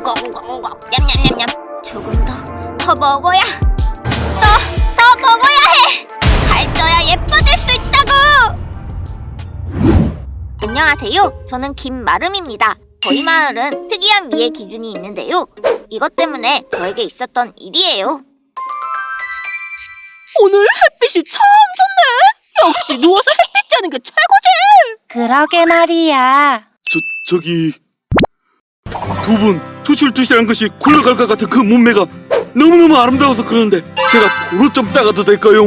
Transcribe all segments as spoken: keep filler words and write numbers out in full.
우거 우거 우거 냠냠냠냠. 조금 더, 더 먹어야, 더, 더 먹어야 해. 살쪄야 예뻐질 수 있다고. 안녕하세요. 저는 김마름입니다. 저희 마을은 특이한 미의 기준이 있는데요. 이것 때문에 저에게 있었던 일이에요. 오늘 햇빛이 참 좋네. 역시 누워서 햇빛 쬐는 게 최고지. 그러게 말이야. 저, 저기 두 분 투실투실한 것이 굴러갈 것 같은 그 몸매가 너무너무 아름다워서 그러는데 제가 보러 좀 따가도 될까요?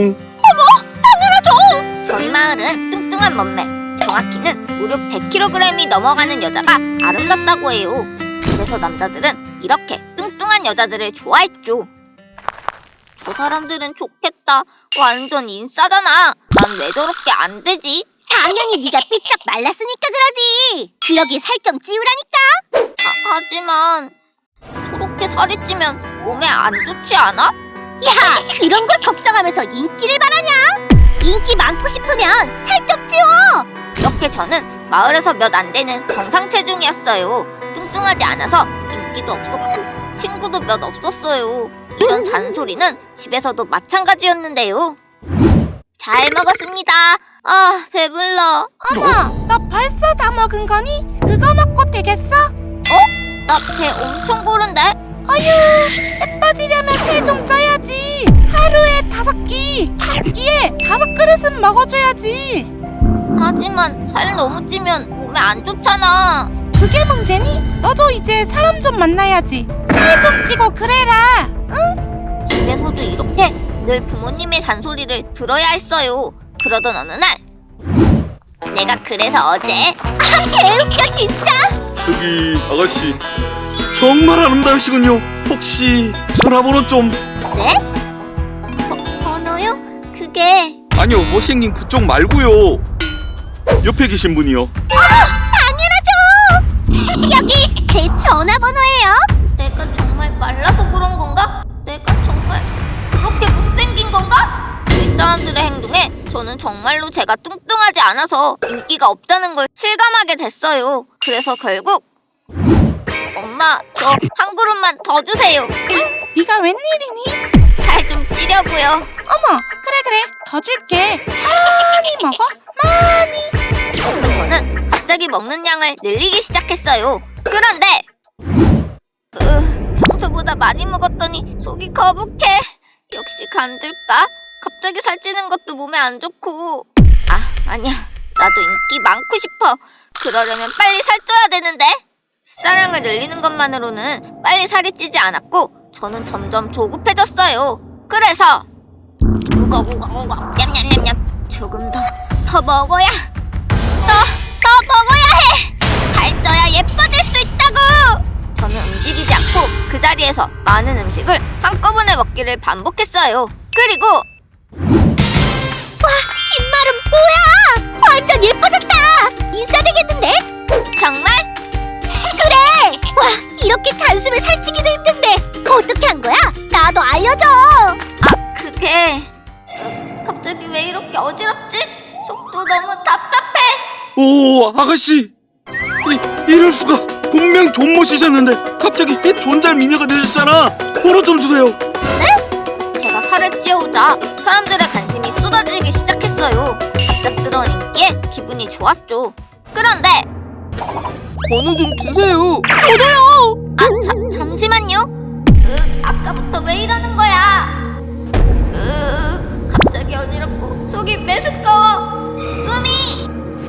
저희 마을은 뚱뚱한 몸매, 정확히는 무려 백 킬로그램이 넘어가는 여자가 아름답다고 해요. 그래서 남자들은 이렇게 뚱뚱한 여자들을 좋아했죠. 저 사람들은 좋겠다. 완전 인싸잖아. 난 왜 저렇게 안 되지? 당연히 네가 삐쩍 말랐으니까 그러지. 그러게 살 좀 찌우라니까. 아, 하지만 저렇게 살이 찌면 몸에 안 좋지 않아? 야, 그런 걸 걱정하면서 인기를 바라냐? 인기 많고 싶으면 살 좀 찌워. 이렇게 저는 마을에서 몇 안 되는 정상 체중이었어요. 뚱뚱하지 않아서 인기도 없었고 친구도 몇 없었어요. 이런 잔소리는 집에서도 마찬가지였는데요. 잘 먹었습니다. 아, 배불러. 어머, 너 벌써 다 먹은 거니? 그거 먹고 되겠어? 나 배 엄청 고른데? 어휴, 해 빠지려면 살 좀 쪄야지. 하루에 다섯 끼, 한 끼에 다섯 그릇은 먹어줘야지. 하지만 살 너무 찌면 몸에 안 좋잖아. 그게 문제니? 너도 이제 사람 좀 만나야지. 살 좀 찌고 그래라. 집에서도 이렇게 늘 부모님의 잔소리를 들어야 했어요. 그러던 어느 날 내가 그래서 어제 아, 개웃겨 진짜. 저기 아가씨 정말 아름다우시군요. 혹시 전화번호 좀... 네? 번- 번호요? 그게 아니요, 못생긴 그쪽 말고요. 옆에 계신 분이요. 당연하죠. 여기 제 전화번호예요. 내가 정말 말라서 그런 건가? 내가 정말 그렇게 못생긴 건가? 윗사람들의 행동에 저는 정말로 제가 뚱뚱하지 않아서 인기가 없다는 걸 실감하게 됐어요. 그래서 결국 엄마, 저 한 그릇만 더 주세요. 네가 웬일이니? 살 좀 찌려고요. 어머, 그래 그래, 더 줄게. 많이 먹어, 많이. 저는 갑자기 먹는 양을 늘리기 시작했어요. 그런데 으, 평소보다 많이 먹었더니 속이 거북해. 역시 간들까? 갑자기 살찌는 것도 몸에 안 좋고. 아, 아니야. 나도 인기 많고 싶어. 그러려면 빨리 살쪄야 되는데. 식사량을 늘리는 것만으로는 빨리 살이 찌지 않았고 저는 점점 조급해졌어요. 그래서 우거 우거 우거 냠냠냠냠. 조금 더, 더 먹어야, 더, 더 먹어야 해. 살쪄야 예뻐질 수 있다고. 저는 움직이지 않고 그 자리에서 많은 음식을 한꺼번에 먹기를 반복했어요. 그리고 김마름 뭐야? 완전 예뻐졌다. 인싸 되겠는데? 정말 그래. 와, 이렇게 단숨에 살찌기도 힘든데 그거 어떻게 한 거야? 나도 알려줘. 아, 그게 어, 갑자기 왜 이렇게 어지럽지? 속도 너무 답답해. 오, 아가씨 이, 이럴 수가. 분명 존못이셨는데 갑자기 존잘 미녀가 되셨잖아. 번호 좀 주세요. 제가 살을 찌우자 사람들의 관심이 쏟아지기 시작했어요. 갑작스러운 인기에 기분이 좋았죠. 그런데 번호 좀 주세요. 아, 자, 잠시만요. 으, 아까부터 왜 이러는 거야? 으, 갑자기 어지럽고 속이 메스꺼워. 숨이.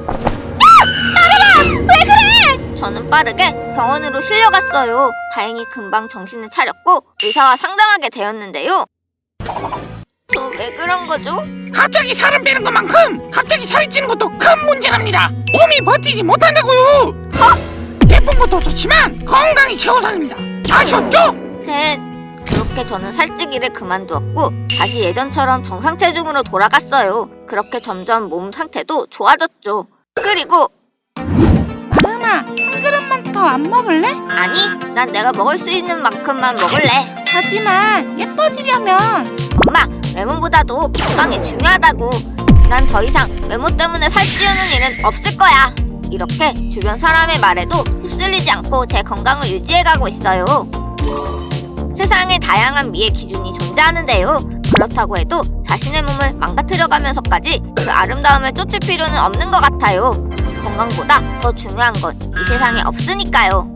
왜 그래? 저는 빠르게 병원으로 실려갔어요. 다행히 금방 정신을 차렸고 의사와 상담하게 되었는데요. 저 왜 그런 거죠? 갑자기 살을 빼는 것만큼 갑자기 살이 찌는 것도 큰 문제랍니다. 몸이 버티지 못한다고요. 어? 예쁜 것도 좋지만 건강이 최우선입니다. 아셨죠? 네. 그렇게 저는 살찌기를 그만두었고 다시 예전처럼 정상 체중으로 돌아갔어요. 그렇게 점점 몸 상태도 좋아졌죠. 그리고 마름아, 한 그릇만 더 안 먹을래? 아니, 난 내가 먹을 수 있는 만큼만 먹을래. 하지만 예뻐지려면 엄마, 외모보다도 건강이 중요하다고. 난 더 이상 외모 때문에 살찌우는 일은 없을 거야. 이렇게 주변 사람의 말에도 휩쓸리지 않고 제 건강을 유지해가고 있어요. 세상에 다양한 미의 기준이 존재하는데요. 그렇다고 해도 자신의 몸을 망가뜨려가면서까지 그 아름다움을 쫓을 필요는 없는 것 같아요. 건강보다 더 중요한 건 이 세상에 없으니까요.